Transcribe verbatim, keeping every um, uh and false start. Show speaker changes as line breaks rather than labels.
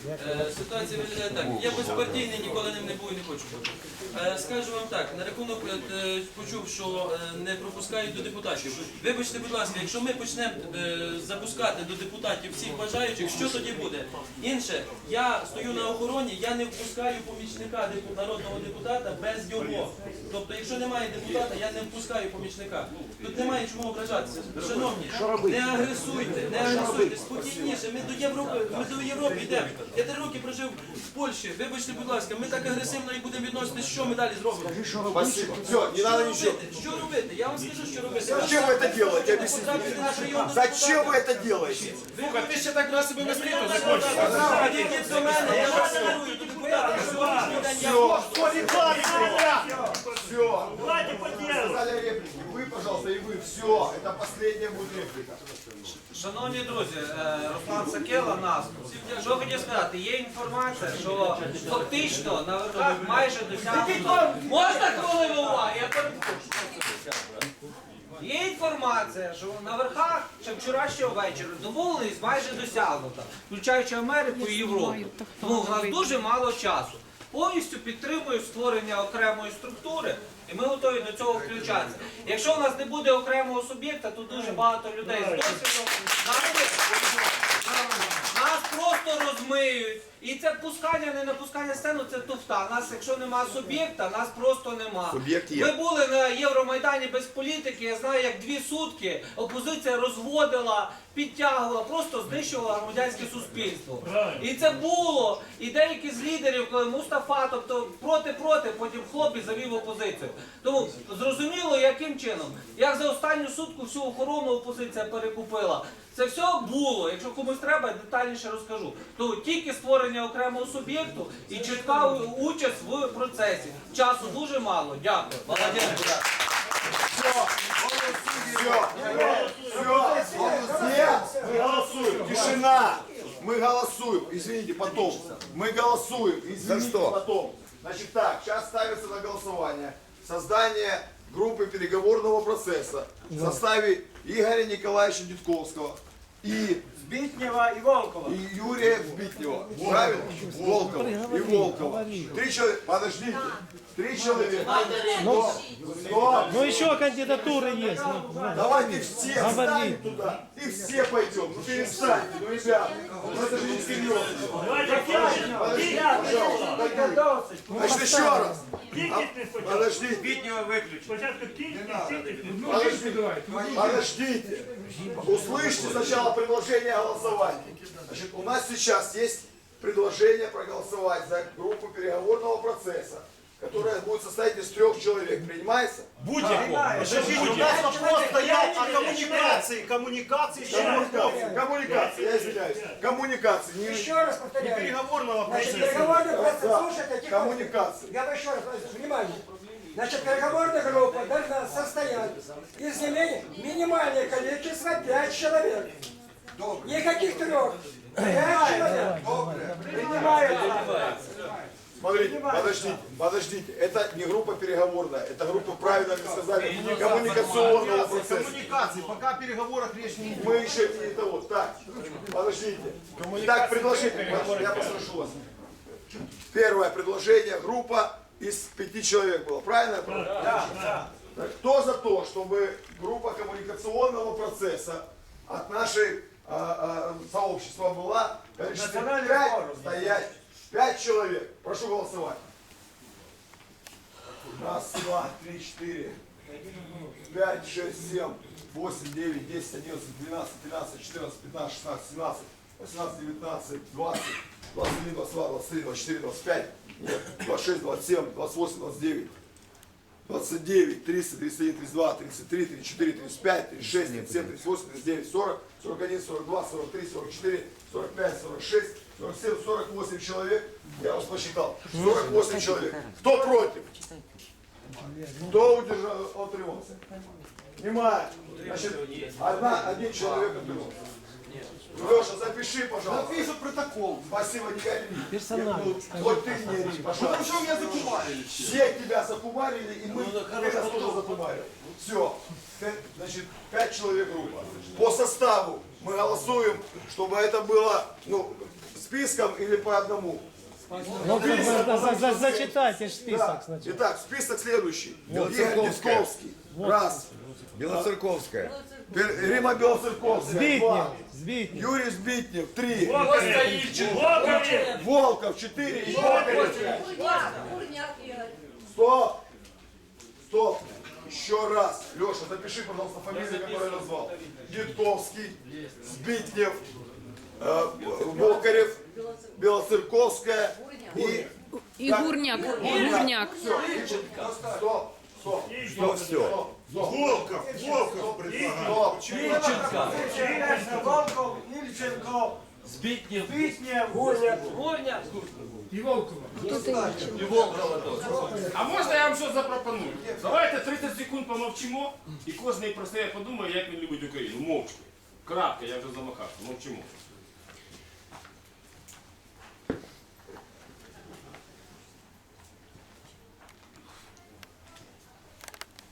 Е, Ситуація виглядає так. Я безпартійний, ніколи ним не був і не хочу бути. Е, Скажу вам так, на рахунок е, почув, що е, не пропускають до депутатів. Вибачте, будь ласка, якщо ми почнемо е, запускати до депутатів всіх бажаючих, що тоді буде? Інше, я стою на охороні, я не впускаю помічника депу- народного депутата без його. Тобто, якщо немає депутата, я не впускаю помічника. Тут немає чому ображатися. Шановні, не агресуйте, не агресуйте, спокійніше. Ми до Європи, ми до Європи йдемо. Я три роки прожив в Польщі. Вибачте, будь ласка, ми так агресивно і будемо відноситися, що ми далі зробимо?
Спасибо. Все, не
Що
надо ничего.
робити? Що робити? Я вам скажу, що робити.
Зачем вы это делаете? Объясните.
Потрапити на прийом до
Зачем вы
депутата.
это делаете?
Слухай, ти ще так раз себе не стріту закончиш.
Підійдіть до мене, я вас керую до депутата. На сьогоднішній день я можу.
Все.
Давайте по делу.
Сказали реплики. Вы, пожалуйста, и вы. Все. Это последняя будет реплика.
Шановні друзі, е, Руслан Сакела, нас. Що хотів сказати, є інформація, що фактично на верхах майже досягнуто... Можна хвилину уваги? Я перепрошую. Є інформація, що на верхах ще вчорашнього вечора домовленість майже досягнута, включаючи Америку і Європу. Тому в нас дуже мало часу. Повністю підтримую створення окремої структури, і ми готові до цього включатися. Якщо у нас не буде окремого суб'єкта, то дуже багато людей з досвідом нас просто розмиють. І це пускання, не напускання сцену, це туфта. Нас, якщо нема суб'єкта, нас просто нема.
Суб'єкт є.
Ми були на Євромайдані без політики, я знаю, як дві сутки опозиція розводила, підтягувала, просто знищувала громадянське суспільство. І це було. І деякі з лідерів, коли Мустафа, тобто проти-проти, потім хлоп і завів опозицію. Тому зрозуміло, яким чином. Як за останню сутку всю охорону опозиція перекупила. Це все було. Якщо комусь треба, детальніше розкажу. То тільки створення окремого суб'єкту і чітка участь в процесі. Часу дуже мало. Дякую. Молодець.
Все. Все. Все. Мы голосуем. Тишина. Мы голосуем. Извините, потом. Мы голосуем. Извините, потом. Значит так, сейчас ставится на голосование создание группы переговорного процесса в составе Игоря Николаевича Дедковского и
Збитнєва і Волкова.
и Юрия Збитнева. Правильно? Волкова и Волкова. Три человека. Подождите. Три человека. Стоп. Стоп.
Ну еще кандидатуры есть. Ну, да.
Давайте все
Говори.
встанем туда и все пойдем. Ну перестаньте, ну ребята. Ну это же не серьезно.
Давайте п'ять.
Подождите,
П'ять.
пожалуйста. Значит, еще раз.
Кількість не спочатку.
Подождите.
Біднього виключити.
Спочатку кількість, кількість.
Подождите. Подождите. Услышьте сначала предложение голосования. Значит, у нас сейчас есть предложение проголосовать за группу переговорного процесса, которая будет состоять из трех человек. Принимается?
Будь-якого.
У нас вопрос стоять о комунікації. Комунікації ще раз.
Коммуникация. Коммуникация, я извиняюсь. Коммуникация. Не,
Еще раз
Не
повторяю.
переговорного
Значит,
процесу.
переговорный процесс,
Да.
слушайте, тихо.
Коммуникация.
Я бы еще раз, внимание. Значит, переговорная группа должна состоять из не менее минимальное количество пять человек. Никаких трех. Пять человек. Принимается.
Смотрите, подождите, подождите. Это не группа переговорная, это группа, правильно вы сказали, коммуникационного процесса.
Комунікації, поки в переговорах речь не йде.
Мы еще не того. Так, подождите. Так, предложение, я попрошу вас. Первое предложение, группа из пяти человек была, правильно? Да, да. Кто за то, чтобы группа коммуникационного процесса от нашей а, а, сообщества была количество пять, стоять, пять человек. Прошу голосовать. Раз, два, три, четыре, пять, шесть, семь, восемь, девять, десять, одиннадцать, двенадцать, тринадцать, четырнадцать, пятнадцать, шестнадцать, семнадцать, восемнадцать, девятнадцать, двадцать, двадцать один, двадцать два, двадцать три, двадцать четыре, двадцать пять, двадцать шесть, двадцать семь, двадцать восемь, двадцать девять, двадцать девять, тридцать, тридцать один, тридцать два, тридцать три, тридцать четыре, тридцать пять, тридцать шесть, тридцать семь, тридцать восемь, тридцать девять, сорок, сорок один, сорок два, сорок три, сорок четыре, сорок пять, сорок шесть, сорок семь, сорок восемь человек. Я вас посчитал. сорок восемь человек. Кто против? Кто удержал, утримался? Внимание. Значит, одна, один человек утримался. Леша, запиши, пожалуйста.
Запишу протокол.
Спасибо, не ори.
Персонально.
Ну, хоть ты не ори, пожалуйста.
Потому що меня закумарили.
Все тебя закумарили, и мы тебя тоже закумарили. Все. Значит, пять человек группа. По составу мы голосуем, чтобы это было, ну, списком или по одному.
Ну, за- за- за- зачитайте ж
Да.
список сначала.
Итак, список следующий. Игорь
Белоцерковская.
Дисковский. Раз.
Белоцерковская.
Бел- Рима Белоцерковская.
Збитнев,
Два.
Збитнев.
Юрий Збитнев. Три.
Волкові!
Волков. Четыре. И Волков.
Бурняк Игорь.
Стоп. Стоп. Еще раз. Леша, запиши, пожалуйста, фамилии, которые я назвал. Дедковский, Збитнев, э, Волкарев, Белоцерковская и...
И Гурняк. Гурняк.
Все. Стоп. Стоп.
Что все?
Волков, Волков предлагаю.
Стоп.
Ильченко, Волков, Ильченко,
Збитнів.
Битнев, Гурняк.
Гурня.
А можна я вам що запропоную? Давайте тридцять секунд помовчимо, і кожен про себе подумає, як він любить Україну. Мовчки. Кратко, я вже замахався, мовчимо.